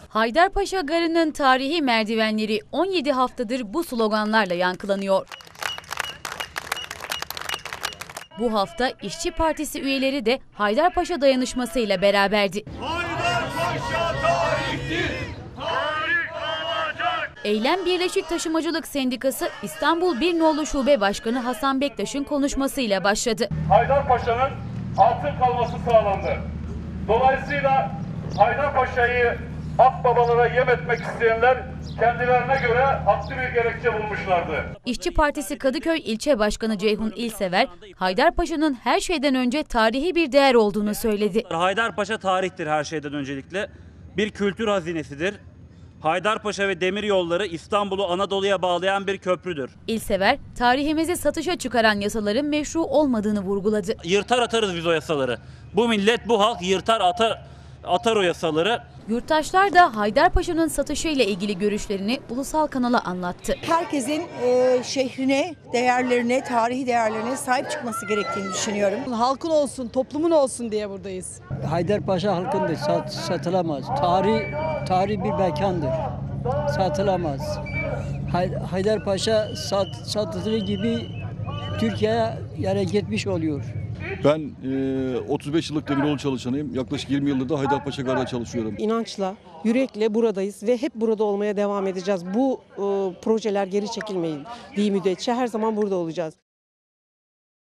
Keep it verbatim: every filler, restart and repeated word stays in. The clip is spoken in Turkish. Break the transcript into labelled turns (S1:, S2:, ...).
S1: Haydarpaşa Garı'nın tarihi merdivenleri on yedi haftadır bu sloganlarla yankılanıyor. Bu hafta İşçi Partisi üyeleri de Haydarpaşa dayanışması ile beraberdi.
S2: Haydarpaşa tarihtir, tarih olacak.
S1: Eylem Birleşik Taşımacılık Sendikası İstanbul bir Nolu Şube Başkanı Hasan Bektaş'ın konuşmasıyla başladı.
S3: Haydarpaşa'nın altın kalması sağlandı. Dolayısıyla Haydarpaşa'yı akbabalara yem etmek isteyenler kendilerine göre haklı bir gerekçe bulmuşlardı.
S1: İşçi Partisi Kadıköy İlçe Başkanı Ceyhun İlsever, Haydarpaşa'nın her şeyden önce tarihi bir değer olduğunu söyledi.
S4: Haydarpaşa tarihtir her şeyden öncelikle. Bir kültür hazinesidir. Haydarpaşa ve demiryolları İstanbul'u Anadolu'ya bağlayan bir köprüdür.
S1: İlsever, tarihimizi satışa çıkaran yasaların meşru olmadığını vurguladı.
S4: Yırtar atarız biz o yasaları. Bu millet, bu halk yırtar atar, atar o yasaları.
S1: Yurttaşlar da Haydarpaşa'nın satışıyla ilgili görüşlerini ulusal kanala anlattı.
S5: Herkesin e, şehrine, değerlerine, tarihi değerlerine sahip çıkması gerektiğini düşünüyorum.
S6: Halkın olsun, toplumun olsun diye buradayız.
S7: Haydarpaşa halkındır, sat, satılamaz. Tarih, tarih bir mekandır, satılamaz. Haydarpaşa sat, satıldığı gibi Türkiye'ye yere gitmiş oluyor.
S8: Ben e, otuz beş yıllık demiryolu çalışanıyım. Yaklaşık yirmi yıldır da Haydarpaşa Garı'da çalışıyorum.
S6: İnançla, yürekle buradayız ve hep burada olmaya devam edeceğiz. Bu e, projeler geri çekilmeyin diye müddetçe her zaman burada olacağız.